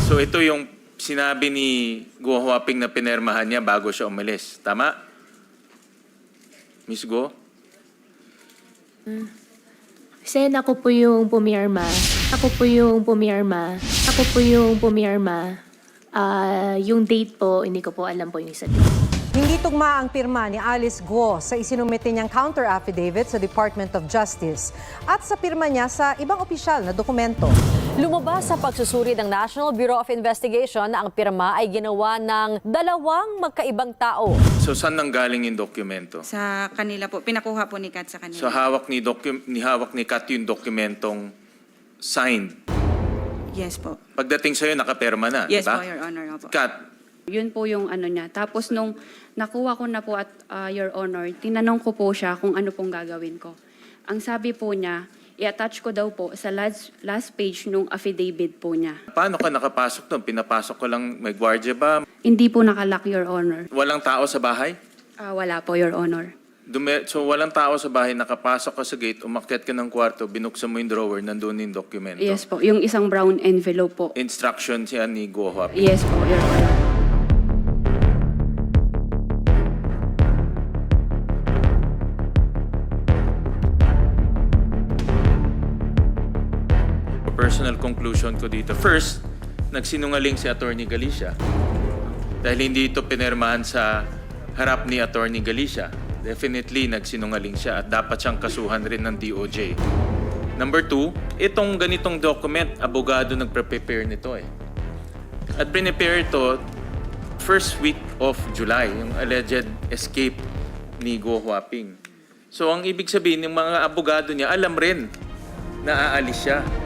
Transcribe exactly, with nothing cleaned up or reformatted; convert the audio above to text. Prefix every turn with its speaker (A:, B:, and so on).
A: So ito yung sinabi ni Guo Huaping na pinermahan niya bago siya umalis. Tama? Miss Guo?
B: Sen, ako po yung pumirma. Ako po yung pumirma. Ako po yung pumirma. Ah, yung date po, hindi ko po alam po yung isa date.
C: Hindi tugma ang pirma ni Alice Guo sa isinumite niyang counter affidavit sa Department of Justice at sa pirma niya sa ibang opisyal na dokumento.
D: Lumabas sa pagsusuri ng National Bureau of Investigation na ang pirma ay ginawa ng dalawang magkaibang tao.
A: So saan nanggaling yung dokumento?
E: Sa kanila po, pinakuha po ni Kat sa kanila.
A: So hawak ni, docu- ni hawak ni Kat yung dokumentong signed.
E: Yes po.
A: Pagdating sa'yo, nakaperma na,
E: Yes
A: diba?
E: po, Your Honor. Opo.
A: Kat,
F: Yun po yung ano niya. Tapos nung nakuha ko na po at uh, Your Honor, tinanong ko po siya kung ano pong gagawin ko. Ang sabi po niya, i-attach ko daw po sa last, last page nung affidavit po niya.
A: paano ka nakapasok doon? Pinapasok ko lang, may gwardiya ba?
F: Hindi po nakalock, Your Honor.
A: Walang tao sa bahay?
F: Ah, wala po, Your Honor.
A: Dume- so walang tao sa bahay, nakapasok ka sa gate, umakyat ka ng kwarto, binuksan mo yung drawer, nandun yung dokumento.
F: Yes po, yung isang brown envelope po.
A: Instructions yan ni Guo Huaping.
F: Yes po, Your Honor.
A: Personal conclusion ko dito. First, nagsinungaling si Attorney Galicia. Dahil hindi ito pinermahan sa harap ni Attorney Galicia. Definitely, nagsinungaling siya at dapat siyang kasuhan rin ng D O J. Number two, itong ganitong document, abogado nagpre-prepare nito eh. At prepare ito first week of July, yung alleged escape ni Guo Huaping. So, ang ibig sabihin, yung mga abogado niya, alam rin na aalis siya.